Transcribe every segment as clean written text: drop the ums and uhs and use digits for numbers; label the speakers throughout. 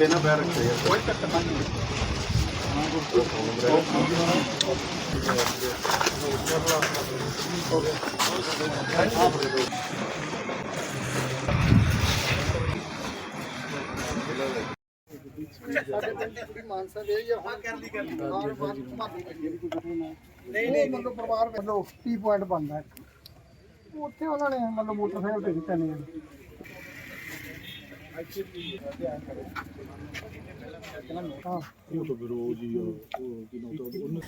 Speaker 1: ਤਿੰਨ ਪੈਰ ਰੱਖੇ ਆ, ਕੋਈ ਚੱਕਰ ਨਹੀਂ।
Speaker 2: ਮਾਨਸਾ ਦੇ ਜਾਂ ਹੁਣ ਕਰ ਲਈ ਨਹੀਂ ਮਤਲਬ ਪਰਿਵਾਰ ਵੱਲੋਂ ਟੀ ਪੁਆਇੰਟ ਬਣਦਾ ਉੱਥੇ ਉਹਨਾਂ ਨੇ ਮਤਲਬ ਮੋਟਰਸਾਈਕਲ ਤੇ ਦਿੱਤਾ ਨਹੀਂ ਹਾਂ
Speaker 1: ਉਹ ਤਾਂ ਫਿਰ ਉਹ ਜੀ ਉਹ ਕੀ ਨਾਮ ਤਾਂ ਉਹਨੇ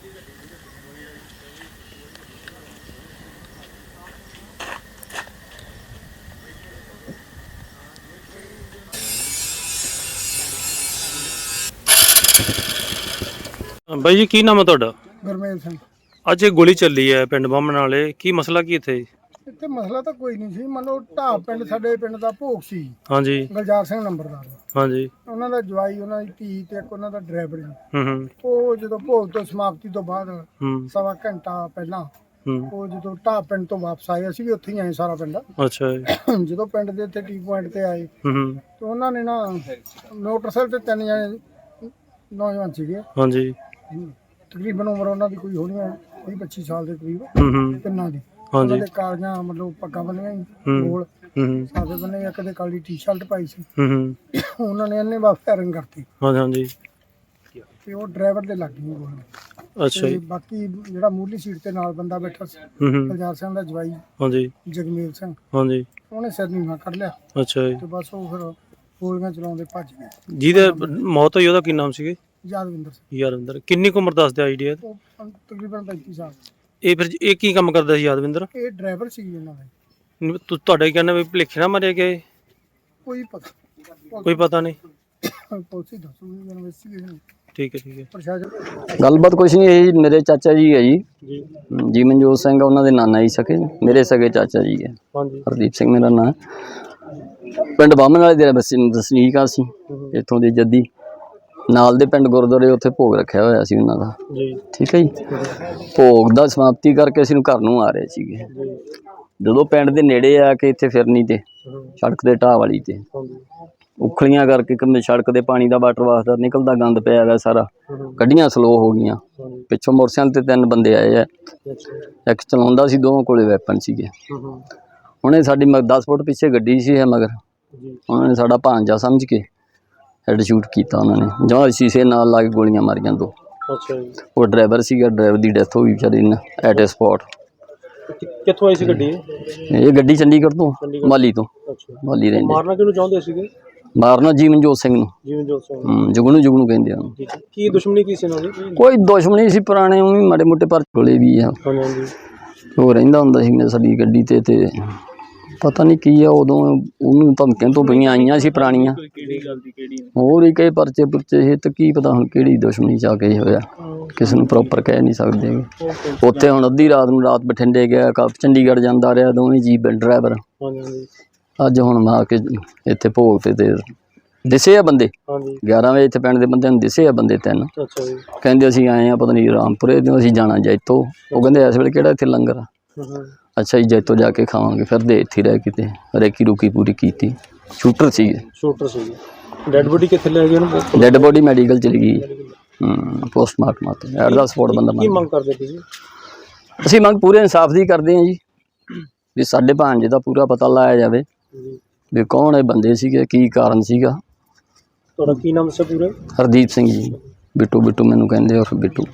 Speaker 3: ਬਾਈ ਜੀ ਕੀ ਨਾਮ ਹੈ ਤੁਹਾਡਾ?
Speaker 2: ਗੁਰਮੇਲ ਸਿੰਘ।
Speaker 3: ਅੱਜ ਇਹ ਗੋਲੀ ਚੱਲੀ ਹੈ ਪਿੰਡ ਬਾਹਮਣ ਵਾਲੇ, ਕੀ ਮਸਲਾ ਕੀ ਇੱਥੇ?
Speaker 2: ਇੱਥੇ ਮਸਲਾ ਤਾਂ ਕੋਈ ਨਹੀਂ ਸੀ, ਮੰਨ ਲਓ ਢਾਬ ਪਿੰਡ ਸਾਡੇ ਪਿੰਡ ਦਾ ਭੋਗ ਸੀ।
Speaker 3: ਹਾਂਜੀ
Speaker 2: ਗੁਲਜ਼ਾਰ ਸਿੰਘ ਨੰਬਰਦਾਰ
Speaker 3: ਹਾਂਜੀ
Speaker 2: ਉਹਨਾਂ ਦਾ ਜਵਾਈ, ਉਹਨਾਂ ਦੀ ਧੀ ਤੇ ਇੱਕ ਉਹਨਾਂ ਦਾ ਡਰਾਈਵਰ ਜੀ।
Speaker 3: ਹੂੰ
Speaker 2: ਉਹ ਜਦੋਂ ਭੋਗ ਤੋਂ ਸਮਾਪਤੀ ਤੋਂ ਬਾਅਦ
Speaker 3: ਹੂੰ
Speaker 2: ਸਵਾ ਘੰਟਾ ਪਹਿਲਾਂ
Speaker 3: ਹੂੰ
Speaker 2: ਉਹ ਜਦੋਂ ਢਾਬ ਪਿੰਡ ਤੋਂ ਵਾਪਸ ਆਏ, ਅਸੀਂ ਵੀ ਉੱਥੇ ਹੀ ਆਏ ਸਾਰਾ ਪਿੰਡ।
Speaker 3: ਅੱਛਾ ਜੀ।
Speaker 2: ਜਦੋਂ ਪਿੰਡ ਦੇ ਇੱਥੇ ਟੀ ਪੁਆਇੰਟ ਤੇ ਆਏ
Speaker 3: ਹੂੰ
Speaker 2: ਤੇ ਉਹਨਾਂ ਨੇ ਨਾ ਮੋਟਰਸਾਈਕਲ ਤੇ ਤਿੰਨ ਜਣੇ ਨੌਜਵਾਨ ਸੀਗੇ,
Speaker 3: ਹਾਂਜੀ
Speaker 2: ਤਕਰੀਬਨ ਉਮਰ ਉਹਨਾਂ ਦੀ ਕੋਈ ਹੋਣੀ 20-25 ਸਾਲ ਦੇ ਕਰੀਬ
Speaker 3: ਹੂੰ
Speaker 2: ਤਿੰਨਾਂ ਦੀ।
Speaker 3: ਹਾਂਜੀ
Speaker 2: ਉਹਨਾਂ ਦੇ ਕਾਲੀਆਂ ਮਤਲਬ ਪੱਗਾਂ ਬੰਨੀਆਂ ਸੀ,
Speaker 3: ਹੂੰ
Speaker 2: ਗੋਲ
Speaker 3: ਹੂੰ
Speaker 2: ਸਾਦੇ ਬੰਨੇ, ਇੱਕ ਦੇ ਕਾਲੀ ਟੀ-ਸ਼ਰਟ ਪਾਈ ਸੀ।
Speaker 3: ਹੂੰ
Speaker 2: ਉਹਨਾਂ ਨੇ ਇਹਨੇ ਵਾਪਸ ਫਾਇਰਿੰਗ ਕਰਤੀ
Speaker 3: ਹਾਂਜੀ ਹਾਂਜੀ
Speaker 2: ਤੇ ਉਹ ਡਰਾਈਵਰ ਦੇ ਲੱਗ ਗਈ ਗੋਲੀ।
Speaker 3: ਅੱਛਾ
Speaker 2: ਤੇ
Speaker 3: ਜੀ।
Speaker 2: ਬਾਕੀ ਜਿਹੜਾ ਮੂਹਰਲੀ ਸੀਟ ਤੇ ਨਾਲ ਬੰਦਾ ਬੈਠਾ ਸੀ,
Speaker 3: ਹੂੰ
Speaker 2: ਗੁਲਜ਼ਾਰ ਸਿੰਘ ਦਾ ਜਵਾਈ
Speaker 3: ਹਾਂਜੀ
Speaker 2: ਜਗਮੇਲ ਸਿੰਘ,
Speaker 3: ਹਾਂਜੀ
Speaker 2: ਉਹਨੇ ਸਿਰ ਨੀਵਾਂ ਕੱਢ ਲਿਆ
Speaker 3: ਅੱਛਾ ਜੀ।
Speaker 2: ਤੇ ਬਸ ਉਹ ਫਿਰ ਗੋਲੀਆਂ ਚਲਾਉਂਦੇ ਭੱਜ ਗਏ।
Speaker 3: ਜਿਹਦੇ ਮੌਤ ਹੋਈ ਉਹਦਾ ਕੀ ਨਾਮ ਸੀਗੇ?
Speaker 2: ਯਾਦਵਿੰਦਰ ਸਿੰਘ,
Speaker 3: ਯਾਦਵਿੰਦਰ। ਕਿੰਨੀ ਕੁ ਉਮਰ ਦੱਸਦੇ ਆਈਡੀਆ?
Speaker 2: ਉਹ ਤਕਰੀਬਨ 35 ਸਾਲ।
Speaker 3: ਇਹ ਫਿਰ ਇਹ ਕੀ ਕੰਮ ਕਰਦਾ ਸੀ ਯਾਦਵਿੰਦਰ?
Speaker 2: ਇਹ ਡਰਾਈਵਰ ਸੀ ਇਹਨਾਂ ਦਾ।
Speaker 3: ਤੁਹਾਡਾ ਕੀ ਕਹਿਣਾ ਵੀ ਭੁਲੇਖੇ ਨਾ ਮਾਰੇ ਗਏ?
Speaker 2: ਕੋਈ ਪਤਾ
Speaker 3: ਕੋਈ ਪਤਾ ਨਹੀਂ।
Speaker 2: ਪੁਲਿਸ ਹੀ ਦੱਸੂਗੀ ਇਨਵੈਸਟੀਗੇਸ਼ਨ।
Speaker 3: ਠੀਕ ਹੈ ਠੀਕ ਹੈ।
Speaker 2: ਪ੍ਰਸ਼ਾਸਨ
Speaker 4: ਗੱਲਬਾਤ ਕੁਛ ਨਹੀਂ, ਇਹ ਮੇਰੇ ਚਾਚਾ ਜੀ ਹੈ ਜੀ,
Speaker 3: ਜੀ
Speaker 4: ਜੀ ਮਨਜੋਤ ਸਿੰਘ ਉਹਨਾਂ ਦੇ ਨਾਨਾ ਜੀ ਸਕੇ, ਮੇਰੇ ਸਕੇ ਚਾਚਾ ਜੀ ਹੈ।
Speaker 3: ਹਾਂਜੀ
Speaker 4: ਹਰਦੀਪ ਸਿੰਘ ਮੇਰਾ ਨਾਂ। ਪਿੰਡ ਬਾਹਮਣ ਵਾਲੇ ਦੇ ਵਸਨੀਕ ਆ ਸੀ, ਇੱਥੋਂ ਦੇ ਜੱਦੀ। ਨਾਲ ਦੇ ਪਿੰਡ ਗੁਰਦੁਆਰੇ ਉੱਥੇ ਭੋਗ ਰੱਖਿਆ ਹੋਇਆ ਸੀ ਉਹਨਾਂ ਦਾ।
Speaker 3: ਜੀ
Speaker 4: ਠੀਕ ਹੈ ਜੀ। ਭੋਗ ਦਾ ਸਮਾਪਤੀ ਕਰਕੇ ਅਸੀਂ ਘਰ ਨੂੰ ਆ ਰਹੇ ਸੀਗੇ। ਜਦੋਂ ਪਿੰਡ ਦੇ ਨੇੜੇ ਆ ਕੇ ਇੱਥੇ ਫਿਰਨੀ ਤੇ ਸੜਕ ਦੇ ਢਾਹ ਵਾਲੀ ਤੇ ਉਖਲੀਆਂ ਕਰਕੇ ਸੜਕ ਦੇ ਪਾਣੀ ਦਾ ਵਾਟਰ ਵਾਸਦਾ ਨਿਕਲਦਾ ਗੰਦ ਪਿਆ ਹੈਗਾ ਸਾਰਾ, ਗੱਡੀਆਂ ਸਲੋ ਹੋ ਗਈਆਂ। ਪਿੱਛੋਂ ਮੋਟਰਸਾਈਕਲ ਤੇ ਤਿੰਨ ਬੰਦੇ ਆਏ ਆ, ਇੱਕ ਚਲਾਉਂਦਾ ਸੀ, ਦੋਵਾਂ ਕੋਲੇ ਵੈਪਨ ਸੀਗੇ। ਉਹਨੇ ਸਾਡੀ 10 ਫੁੱਟ ਪਿੱਛੇ ਗੱਡੀ ਸੀ ਮਗਰ, ਉਹਨਾਂ ਨੇ ਸਾਡਾ ਭਾਂਜਾ ਸਮਝ ਕੇ ਹੈਡ ਸ਼ੂਟ ਕੀਤਾ। ਉਹਨਾਂ ਨੇ ਜਾਂ ਸ਼ੀਸ਼ੇ ਨਾਲ ਲਾ ਕੇ ਗੋਲੀਆਂ ਮਾਰੀਆਂ ਦੋ।
Speaker 3: ਅੱਛਾ ਜੀ।
Speaker 4: ਉਹ ਡਰਾਈਵਰ ਸੀਗਾ, ਡਰਾਈਵਰ ਦੀ ਡੈਥ ਹੋ ਗਈ ਵਿਚਾਰੇ ਨੇ ਐਟ ਏ ਸਪੌਟ।
Speaker 3: ਕਿੱਥੋਂ ਆਈ ਸੀ ਗੱਡੀ?
Speaker 4: ਇਹ ਗੱਡੀ ਚੰਡੀਗੜ੍ਹ ਤੋਂ, ਮਾਲੀ ਤੋਂ।
Speaker 3: ਅੱਛਾ।
Speaker 4: ਮਾਲੀ ਰਹਿੰਦੇ।
Speaker 3: ਮਾਰਨਾ ਕਿਹਨੂੰ ਚਾਹੁੰਦੇ ਸੀਗੇ?
Speaker 4: ਮਾਰਨਾ ਜੀ ਮਨਜੋਤ ਸਿੰਘ ਨੂੰ।
Speaker 3: ਜੀਵਨਜੋਤ ਸਿੰਘ।
Speaker 4: ਜੁਗਨੂ ਕਹਿੰਦੇ ਆ ਉਹਨੂੰ।
Speaker 3: ਕੀ ਦੁਸ਼ਮਣੀ ਕੀ ਸੀ ਇਹਨਾਂ ਦੀ?
Speaker 4: ਕੋਈ ਦੁਸ਼ਮਣੀ ਸੀ ਪੁਰਾਣੇ, ਉਹ ਵੀ ਮਾੜੇ ਮੋਟੇ ਪਰ ਕੋਲੇ ਵੀ ਆ।
Speaker 3: ਹਾਂਜੀ
Speaker 4: ਉਹ ਰਹਿੰਦਾ ਹੁੰਦਾ ਸੀ ਸਾਡੀ ਗੱਡੀ ਤੇ ਪਤਾ ਨਹੀਂ ਕੀ ਆ ਉਦੋਂ ਉਹਨੂੰ ਧਮਕੀਆਂ ਤੋਂ ਪਈਆਂ ਆਈਆਂ ਸੀ ਪੁਰਾਣੀਆਂ, ਹੋਰ ਹੀ ਕਈ ਪਰਚੇ ਪੁਰਚੇ ਸੀ ਤੇ ਕੀ ਪਤਾ ਹੁਣ ਕਿਹੜੀ ਦੁਸ਼ਮਣੀ ਚ ਆ ਕੇ ਹੋਇਆ, ਕਿਸੇ ਨੂੰ ਪ੍ਰੋਪਰ ਕਹਿ ਨਹੀਂ ਸਕਦੇ। ਉੱਥੇ ਹੁਣ ਅੱਧੀ ਰਾਤ ਨੂੰ ਰਾਤ ਬਠਿੰਡੇ ਗਿਆ, ਚੰਡੀਗੜ੍ਹ ਜਾਂਦਾ ਰਿਹਾ, ਦੋਵੇਂ ਜੀ ਡਰਾਈਵਰ। ਅੱਜ ਹੁਣ ਆ ਕੇ ਇੱਥੇ ਭੋਗ ਤੇ ਦਿਸੇ ਆ ਬੰਦੇ 11 ਵਜੇ, ਇੱਥੇ ਪਿੰਡ ਦੇ ਬੰਦਿਆਂ ਨੂੰ ਦਿਸੇ ਆ ਬੰਦੇ ਤਿੰਨ। ਕਹਿੰਦੇ ਅਸੀਂ ਆਏ ਆ ਪਤਾ ਨਹੀਂ ਰਾਮਪੁਰੇ ਤੋਂ, ਅਸੀਂ ਜਾਣਾ ਜੈਤੋ। ਉਹ ਕਹਿੰਦੇ ਇਸ ਵੇਲੇ ਕਿਹੜਾ ਇੱਥੇ ਲੰਗਰ ਆ? ਅੱਛਾ ਜੀ, ਜੈਤੋ ਜਾ ਕੇ ਖਾਵਾਂਗੇ। ਫਿਰਦੇ ਇੱਥੇ ਰਹਿ ਕਿਤੇ ਰੇਕੀ ਰੁਕੀ ਪੂਰੀ ਕੀਤੀ। ਸ਼ੂਟਰ ਸੀਗੇ।
Speaker 3: ਡੈਡ ਬੋਡੀ ਕਿੱਥੇ ਲੈ ਗਏ ਉਹਨੂੰ?
Speaker 4: ਡੈਡ ਬੋਡੀ ਮੈਡੀਕਲ ਚਲੀ ਗਈ। ਪੋਸਟਮਾਰਟਮ ਤੇ ਐਟ ਦਾ ਸਪੋਰਟ ਬੰਦਾ।
Speaker 3: ਕੀ ਮੰਗ ਕਰਦੇ ਤੁਸੀਂ?
Speaker 4: ਅਸੀਂ ਮੰਗ ਪੂਰੇ ਇਨਸਾਫ ਦੀ ਕਰਦੇ ਹਾਂ ਜੀ, ਵੀ ਸਾਡੇ ਭਾਂਜੇ ਦਾ ਪੂਰਾ ਪਤਾ ਲਾਇਆ ਜਾਵੇ ਵੀ ਕੌਣ ਇਹ ਬੰਦੇ ਸੀਗੇ, ਕੀ ਕਾਰਨ ਸੀਗਾ।
Speaker 3: ਤੁਹਾਡਾ ਕੀ ਨਾਮ ਸੀ ਪੂਰਾ?
Speaker 4: ਹਰਦੀਪ ਸਿੰਘ ਜੀ। ਬਿੱਟੂ ਮੈਨੂੰ ਕਹਿੰਦੇ, ਔਰ ਬਿੱਟੂ।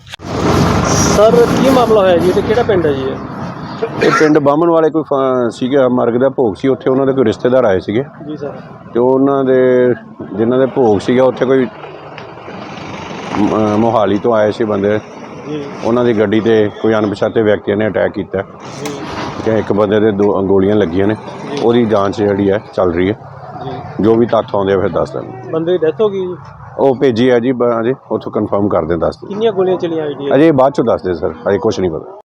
Speaker 3: ਸਰ ਕੀ ਮਾਮਲਾ ਹੋਇਆ ਜੀ ਤੇ ਕਿਹੜਾ ਪਿੰਡ ਹੈ ਜੀ
Speaker 1: ਇਹ ਪਿੰਡ ਬਾਹਮਣ ਵਾਲੇ ਕੋਈ ਸੀਗਾ, ਮਰਗ ਦਾ ਭੋਗ ਸੀ। ਉੱਥੇ ਉਹਨਾਂ ਦੇ ਕੋਈ ਰਿਸ਼ਤੇਦਾਰ ਆਏ ਸੀਗੇ
Speaker 3: ਜੀ ਸਰ,
Speaker 1: ਤੇ ਉਹਨਾਂ ਦੇ ਜਿਨ੍ਹਾਂ ਦੇ ਭੋਗ ਸੀਗਾ ਉੱਥੇ ਕੋਈ ਮੋਹਾਲੀ ਤੋਂ ਆਏ ਸੀ ਬੰਦੇ
Speaker 3: ਜੀ।
Speaker 1: ਉਹਨਾਂ ਦੀ ਗੱਡੀ ਤੇ ਕੋਈ ਅਣਪਛਾਤੇ ਵਿਅਕਤੀਆਂ ਨੇ ਅਟੈਕ ਕੀਤਾ
Speaker 3: ਜੀ
Speaker 1: ਕਿ ਇੱਕ ਬੰਦੇ ਦੇ 2 ਗੋਲੀਆਂ ਲੱਗੀਆਂ ਨੇ। ਉਹਦੀ ਜਾਂਚ ਜਿਹੜੀ ਹੈ ਚੱਲ ਰਹੀ ਹੈ
Speaker 3: ਜੀ।
Speaker 1: ਜੋ ਵੀ ਤੱਥ ਆਉਂਦੇ ਆ ਫਿਰ ਦੱਸ ਦੇਣ।
Speaker 3: ਬੰਦੇ ਦੀ ਡੈਥ ਹੋ ਗਈ ਜੀ?
Speaker 1: ਉਹ ਭੇਜੀ ਹੈ ਜੀ, ਅਜੇ ਉੱਥੋਂ ਕਨਫਰਮ ਕਰਦੇ ਦੱਸ ਦਿਓ।
Speaker 3: ਕਿੰਨੀਆਂ ਗੋਲੀਆਂ ਚਲੀਆਂ ਆਈਡੀਆ?
Speaker 1: ਅਜੇ ਬਾਅਦ ਚੋਂ ਦੱਸਦੇ ਸਰ, ਅਜੇ ਕੁਛ ਨਹੀਂ ਪਤਾ।